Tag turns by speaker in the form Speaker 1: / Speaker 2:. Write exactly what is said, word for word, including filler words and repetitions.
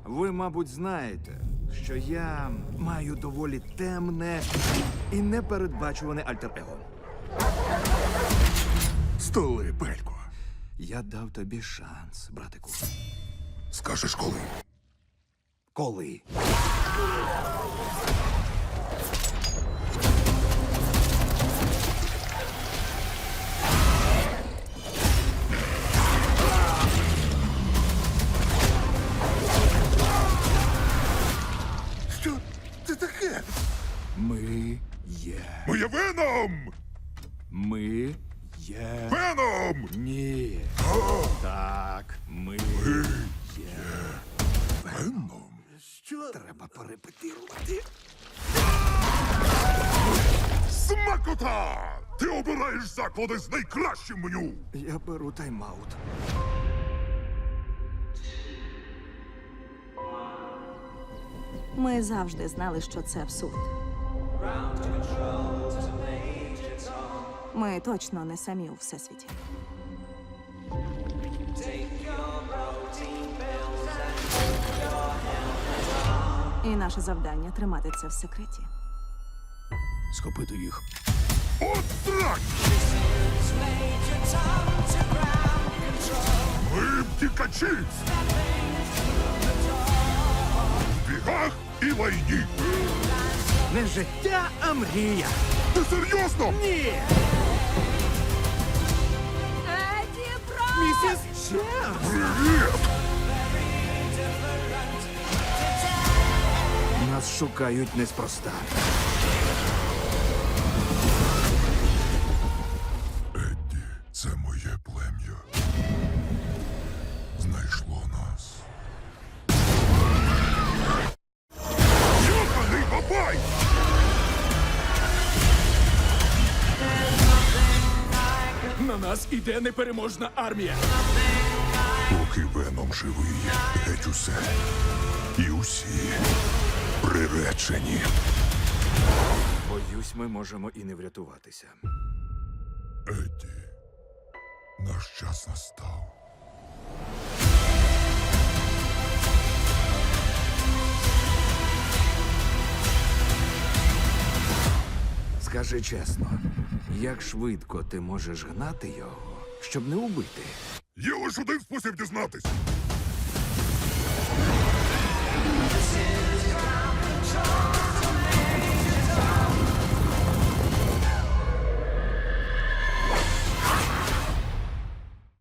Speaker 1: Ви, мабуть, знаєте, що я маю доволі темне і непередбачуване альтер-его.
Speaker 2: Столи, Пелько.
Speaker 1: Я дав тобі шанс, братику.
Speaker 2: Скажеш коли?
Speaker 1: Коли?
Speaker 2: Що це таке?
Speaker 1: Ми є.
Speaker 2: Ми є Веном!
Speaker 1: Ми є.
Speaker 2: Веном!
Speaker 1: Ні. Так, ми є.
Speaker 2: Веном? Що?
Speaker 1: Треба перепетирувати.
Speaker 2: Смакота! Ти обираєш заклади з найкращим меню!
Speaker 1: Я беру тайм-аут.
Speaker 3: Ми завжди знали, що це абсурд. Ми точно не самі у всесвіті. І наше завдання тримати це в секреті.
Speaker 1: Схопити їх.
Speaker 2: От так! Ми втікачі! В бігах і лайні!
Speaker 1: Не життя, а мрія.
Speaker 2: Ти серйозно?
Speaker 1: Ні!
Speaker 3: Еді Бро!
Speaker 1: Місіс Чемс!
Speaker 2: Привіт!
Speaker 1: Нас шукають неспроста.
Speaker 2: Едді, це моє плем'я. Знайшло нас. Йоханий бабай!
Speaker 1: На нас іде непереможна армія.
Speaker 2: Поки Веном живий, геть усе. І усі приречені.
Speaker 1: Боюсь, ми можемо і не врятуватися.
Speaker 2: Едді, наш час настав.
Speaker 1: Скажи чесно, як швидко ти можеш гнати його, щоб не убити?
Speaker 2: Є лише один спосіб дізнатись.